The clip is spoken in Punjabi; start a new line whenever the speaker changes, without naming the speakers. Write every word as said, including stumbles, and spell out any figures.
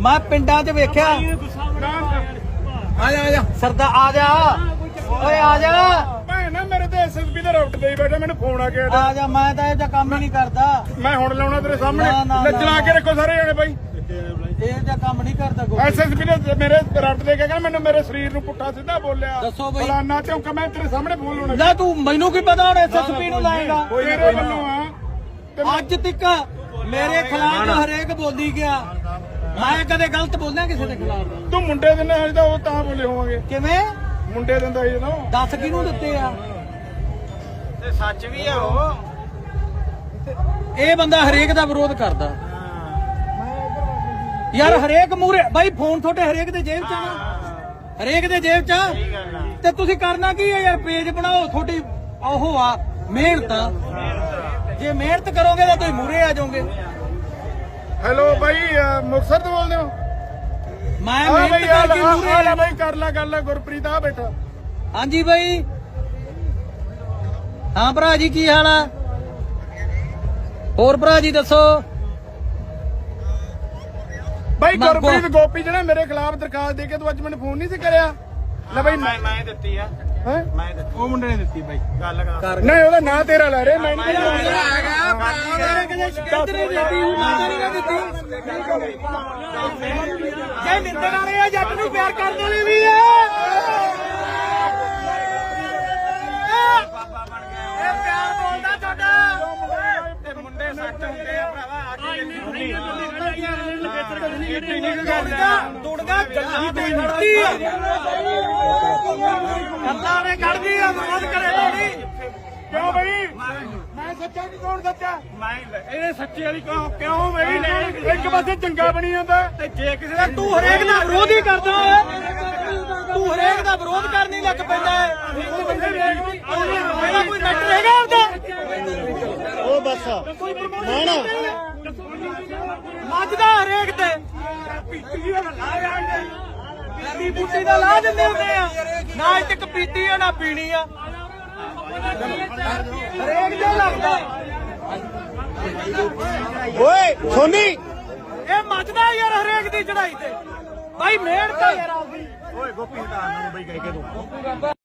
ਮੈਂ ਪਿੰਡਾਂ 'ਚ ਵੇਖਿਆ। ਆ ਜਾ ਆ ਜਾ ਸਰਦਾ ਆ ਜਾ ਓਏ ਆ ਜਾ
ਭੈਣਾ ਮੇਰੇ ਤੇ ਐਸਐਸਪੀ ਦੇ ਰਾਊਟ ਤੇ ਹੀ ਬੈਠਾ ਮੈਨੂੰ ਫੋਨ ਆ ਗਿਆ
ਆ ਜਾ ਮੈਂ ਤਾਂ ਇਹ ਜਿਹਾ ਕੰਮ ਹੀ ਨਹੀਂ ਕਰਦਾ।
ਮੈਂ ਹੁਣ ਲਾਉਣਾ ਤੇਰੇ ਸਾਹਮਣੇ
ਨਾ, ਨਾ,
ਲੱਜਣਾ ਕੇ ਰੱਖੋ ਸਾਰੇ ਜਣੇ ਬਾਈ
ਇਹ ਜਿਹਾ ਕੰਮ ਨਹੀਂ ਕਰਦਾ ਕੋਈ।
ਐਸਐਸਪੀ ਨੇ ਮੇਰੇ ਰਾਊਟ ਤੇ ਕਹਿੰਦਾ ਮੈਨੂੰ ਮੇਰੇ ਸਰੀਰ ਨੂੰ ਪੁੱਠਾ ਸਿੱਧਾ ਬੋਲਿਆ
ਦੱਸੋ ਬਈ।
ਫਲਾਨਾ ਚੌਂਕਾ ਮੈਂ ਤੇਰੇ ਸਾਹਮਣੇ ਫੋਨ ਲਾਉਣਾ
ਲੈ ਤੂੰ ਮੈਨੂੰ ਕੀ ਪਤਾ ਹੁਣ ਐਸਐਸਪੀ ਨੂੰ ਲਾਏਗਾ।
ਤੇਰੇ ਵੱਲੋਂ ਆ ਤੇ ਮੈਂ-
ਅੱਜ ਤੱਕ ਮੇਰੇ ਖਿਲਾਫ ਹਰੇਕ ਬੋਲੀ ਗਿਆ। ਮੈਂ ਕਦੇ ਗਲਤ ਬੋਲਿਆ ਕਿਸੇ ਦੇ ਖਿਲਾਫ?
ਤੂੰ ਮੁੰਡੇ ਦੇ ਨਾਲ ਤਾਂ ਉਹ ਤਾਂ ਬੋਲੇ ਹੋਵਾਂਗੇ।
ਕਿਵੇਂ
ਮੁੰਡੇ ਦਿੰਦਾ ਸੀ ਨਾ
ਦੱਸ ਕਿਹਨੂੰ ਦਿੱਤੇ ਆ?
ਤੇ ਸੱਚ ਵੀ ਆ ਉਹ।
ਇਹ ਬੰਦਾ ਹਰੇਕ ਦਾ ਵਿਰੋਧ ਕਰਦਾ ਯਾਰ। ਹਰੇਕ ਮੂਰੇ ਬਾਈ ਫੋਨ ਤੁਹਾਡੇ ਹਰੇਕ ਦੇ ਜੇਬ 'ਚ ਆ ਨਾ, ਹਰੇਕ ਦੇ ਜੇਬ 'ਚ ਆ। ਤੇ ਤੁਸੀਂ ਕਰਨਾ ਕੀ ਹੈ ਯਾਰ? ਪੇਜ ਬਣਾਓ, ਤੁਹਾਡੀ ਉਹ ਆ ਮਿਹਨਤ। ਜੇ ਮਿਹਨਤ ਕਰੋਗੇ ਤਾਂ ਤੁਸੀਂ ਮੂਰੇ ਆ ਜਾਓਗੇ।
ਹੈਲੋ ਬਾਈ ਮੁਕਤਸਰ ਤੋਂ ਬੋਲਦੇ ਹੋ?
ਮੈਂ
ਆ
ਮਿਹਨਤ
ਬਈ ਆ
ਕਰਕੇ ਮੂਰੇ
ਲੈ
ਆ।
ਬਾਈ ਕਰ ਲੈ ਗੱਲ ਗੁਰਪ੍ਰੀਤ ਆ ਬੈਠਾ।
ਹਾਂਜੀ ਬਾਈ। ਹਾਂ ਭਰਾ ਜੀ ਕੀ ਹਾਲ ਆ? ਹੋਰ ਭਰਾ ਜੀ ਦੱਸੋ।
ਬਾਈ
ਮੰਗੋ।
ਗੁਰਪ੍ਰੀਤ ਗੋਪੀ ਜਿਹੜਾ ਮੇਰੇ ਖਿਲਾਫ ਦਰਖਾਸਤ ਦੇ ਕੇ ਤੂੰ ਅੱਜ ਮੈਨੂੰ ਫੋਨ ਨਹੀਂ ਸੀ ਕਰਿਆ? ਲੈ ਬਾਈ
ਮੈਂ ਮੈਂ ਦਿੱਤੀ ਆ
ਹੈ
ਮੈਂ ਦਿੱਤੀ।
ਉਹ ਮੁੰਡੇ ਨੇ ਦਿੱਤੀ ਬਾਈ
ਗੱਲ ਕਰ
ਨਹੀਂ ਉਹਦਾ ਨਾਂ ਤੇਰਾ ਲੈ ਰਹੇ ਮੈਂ ਨਹੀਂ
ਜੇ ਨਿੰਦਣ ਵਾਲੇ ਆ ਜੱਟ ਨੂੰ ਪਿਆਰ ਕਰਨ ਵਾਲੇ ਵੀ ਆ।
ਬਾਬਾ ਬਣ ਗਿਆ
ਇਹ ਪਿਆਰ ਬੋਲਦਾ ਤੁਹਾਡਾ।
ਤੇ ਮੁੰਡੇ ਸੱਚ ਹੁੰਦੇ ਆ ਭਰਾਵਾ।
ਦੁੜਗਾ ਗੱਲਾਂ ਤੇ ਕੱਢਦੀ ਆ। ਗੱਲਾਂ ਨੇ ਕੱਢਦੀ ਆ। ਵਿਰੋਧ ਕਰੇ ਲੋੜੀ।
ਕਿਉਂ ਬਈ ਮੈਂ ਸੱਚਾ ਨਹੀਂ ਕੌਣ ਸੱਚਾ?
ਮੈਂ
ਇਹ ਸੱਚੇ ਵਾਲੀ ਕਿਉਂ ਕਿਉਂ ਬਈ ਇੱਕ ਪਾਸੇ ਚੰਗਾ ਬਣੀ ਜਾਂਦਾ
ਤੇ ਜੇ ਕਿਸੇ ਦਾ ਤੂੰ ਹਰੇਕ ਦਾ ਵਿਰੋਧ ਹੀ ਕਰਦਾ ਹੈ। ਤੂੰ ਹਰੇਕ ਦਾ ਵਿਰੋਧ ਕਰਨ ਹੀ ਲੱਗ ਪੈਂਦਾ ਹੈ। ਇਹਦਾ ਕੋਈ ਮੈਟਰ ਹੈਗਾ ਉਹਦਾ?
ਉਹ ਬਸ ਨਾ
ਮੱਝਦਾ ਹਰੇਕ ਤੇ ਪੀਤੀ ਬੂਟੀ ਦਾ ਲਾ ਦਿੰਦੇ ਹੁੰਦੇ ਆ। ਨਾ ਇੱਥੇ ਇੱਕ ਪੀਤੀ ਆ ਨਾ ਪੀਣੀ ਆ। ਹਰੇਕ ਦੇ ਲੱਗਦਾ
ਓਏ ਸੋਨੀ
ਇਹ ਮੱਝਦਾ ਯਾਰ ਹਰੇਕ ਦੀ ਚੜਾਈ ਤੇ। ਭਾਈ ਮਿਹਨਤ ਆ ਯਾਰ ਆਪਦੀ।
ਓਏ ਗੋਪੀ ਹਟਾ ਮੈਨੂੰ ਬਈ ਕਹਿ ਕੇ ਤੂੰ